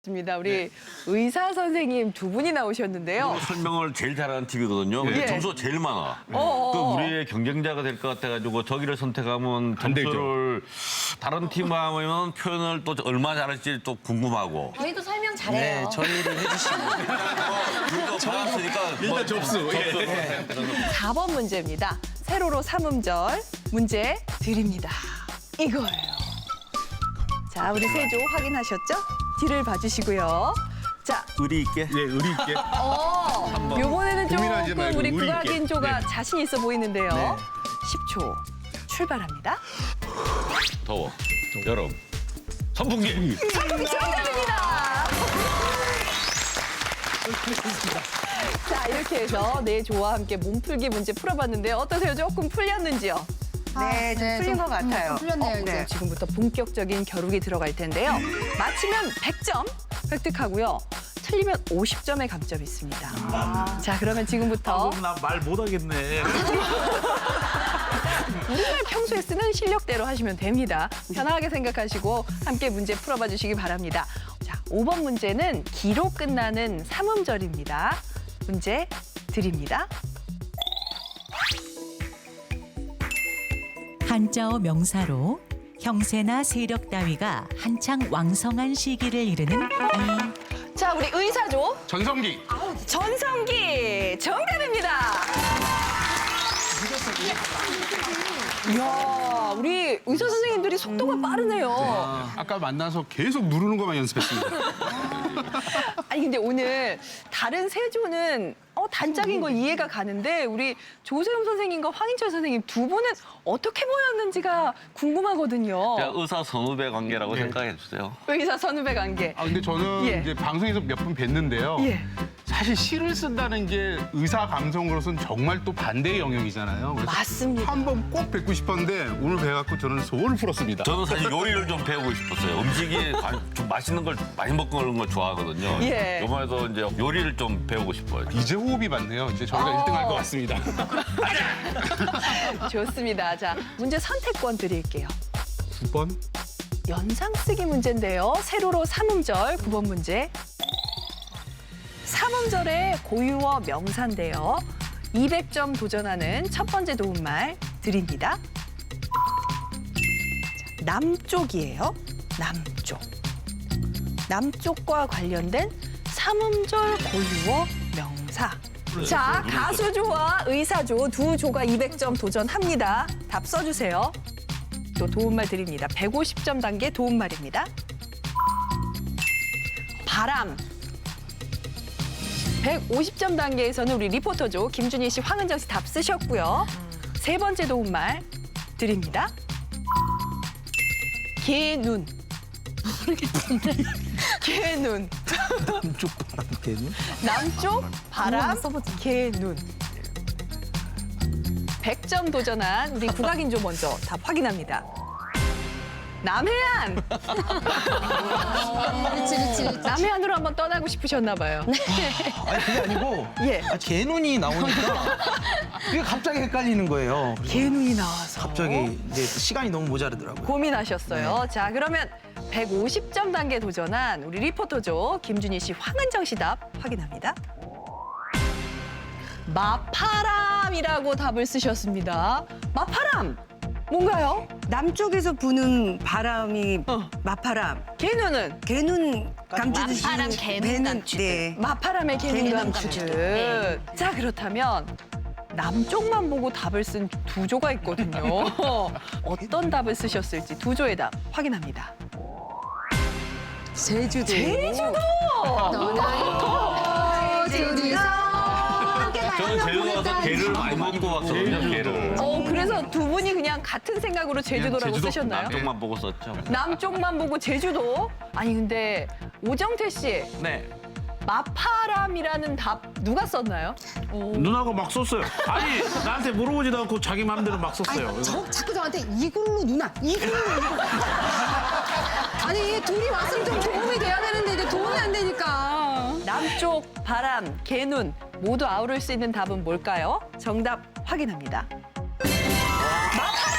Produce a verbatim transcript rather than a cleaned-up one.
입니다. 우리 의사 선생님 두 분이 나오셨는데요. 설명을 제일 잘하는 팀이거든요. 근데 예. 점수가 제일 많아. 어어. 그 우리의 경쟁자가 될 것 같아가지고 저기를 선택하면 안 되죠. 점수를 다른 팀 하면 표현을 또 얼마 잘할지 또 궁금하고. 저희도 설명 잘해요. 네, 저희를 해주시면 우리가 받았으니까 일단 접수. 예. 사 번 문제입니다. 세로로 삼음절 문제 드립니다. 이거예요. 자, 우리 세조 확인하셨죠? 뒤를 봐주시고요. 자, 의리 있게. 예, 의리 있게. 어, 요번에는 고민하지 조금 말고 우리 의리 있게. 국악인조가 네. 자신 있어 보이는데요. 네. 십 초 출발합니다. 더워. 여름. 선풍기. 정답입니다. 자, 이렇게 해서 네 조와 함께 몸풀기 문제 풀어봤는데요. 어떠세요? 조금 풀렸는지요? 네, 좀 풀린 것 같아요. 풀렸네요, 이제. 네, 지금부터 본격적인 겨루기 들어갈 텐데요. 맞히면 백 점 획득하고요. 틀리면 오십 점의 감점이 있습니다. 자, 그러면 지금부터 나 말 못하겠네. 우리말 평소에 쓰는 실력대로 하시면 됩니다. 편하게 생각하시고 함께 문제 풀어봐 주시기 바랍니다. 자, 오 번 문제는 기로 끝나는 삼음절입니다. 문제 드립니다. 한자어 명사로 형세나 세력 따위가 한창 왕성한 시기를 이르는 이 자, 우리 의사조 전성기. 전성기 정답입니다. 이야, 우리 의사 선생님들이 속도가 빠르네요. 아까 만나서 계속 누르는 것만 연습했습니다. 아니 근데 오늘 다른 세조는 어, 단짝인 거 이해가 가는데 우리 조세훈 선생님과 황인철 선생님 두 분은 어떻게 보였는지가 궁금하거든요. 제가 의사 선후배 관계라고 네. 생각해 주세요. 의사 선후배 관계. 아, 근데 저는 예. 이제 방송에서 몇 번 뵀는데요. 예. 사실 시를 쓴다는 게 의사 감성으로서는 정말 또 반대의 영역이잖아요. 그래서 맞습니다. 한 번 꼭 뵙고 싶었는데 오늘 뵈갖고 저는 소원을 풀었습니다. 저는 사실 요리를 좀 배우고 싶었어요. 음식이 좀 맛있는 걸 많이 먹는 걸 좋아하거든요. 예. 이번에도 이제 요리를 좀 배우고 싶어요. 이제 호흡이 맞네요. 이제 저희가 어. 일 등 할 것 같습니다. 좋습니다. 자, 문제 선택권 드릴게요. 구 번. 연상 쓰기 문제인데요. 세로로 삼음절 구 번 문제. 삼음절의 고유어 명사인데요. 이백 점 도전하는 첫 번째 도움말 드립니다. 자, 남쪽이에요. 남쪽. 남쪽과 관련된 삼음절 고유어 명사. 자, 가수조와 의사조 두 조가 이백 점 도전합니다. 답 써주세요. 또 도움말 드립니다. 백오십 점 단계 도움말입니다. 바람. 백오십 점 단계에서는 우리 리포터조 김준희 씨, 황은정 씨 답 쓰셨고요. 세 번째 도움말 드립니다. 개눈. 모르겠는데. 개눈. 남쪽 바람 개는 남쪽 바람 개눈. 백 점 도전한 우리 국악인조 먼저 답 확인합니다. 남해안. 그렇지, 그렇지, 그렇지. 남해안으로 한번 떠나고 싶으셨나 봐요. 아니 그게 아니고 예. 아, 개눈이 나오니까 그게 갑자기 헷갈리는 거예요. 그래서 개눈이 나와서. 갑자기 이제 시간이 너무 모자르더라고요. 고민하셨어요. 자, 그러면 백오십 점 단계 도전한 우리 리포터조 김준희 씨, 황은정 씨 답 확인합니다. 마파람이라고 답을 쓰셨습니다. 마파람 뭔가요? 남쪽에서 부는 바람이 어. 마파람. 개눈은 개눈 감추듯이 마파람, 개눈 배는 감추듯. 네. 마파람의 개눈 개눈 감추듯. 감추듯. 네. 자, 그렇다면 남쪽만 보고 답을 쓴 두 조가 있거든요. 어떤 답을 쓰셨을지 두 조의 답 확인합니다. 제주도. 제주도! 떠나요, 둘이서 함께 저는 가요. 제주도 가서 게를 많이 먹고 왔거든요. 게를. 어, 그래서 두 분이 그냥 같은 생각으로 제주도라고 제주도. 쓰셨나요? 남쪽만 보고 썼죠. 남쪽만 보고 제주도? 아니 근데 오정태 씨, 네. 마파람이라는 답 누가 썼나요? 누나가 막 썼어요. 아니 나한테 물어보지도 않고 자기 마음대로 막 썼어요. 아니, 저, 자꾸 저한테 이글루 누나, 이글루 누나. 아니, 둘이 왔으면 좀 도움이 돼야 되는데 이제 도움이 안 되니까. 남쪽, 바람, 개눈 모두 아우를 수 있는 답은 뭘까요? 정답 확인합니다. 마파람!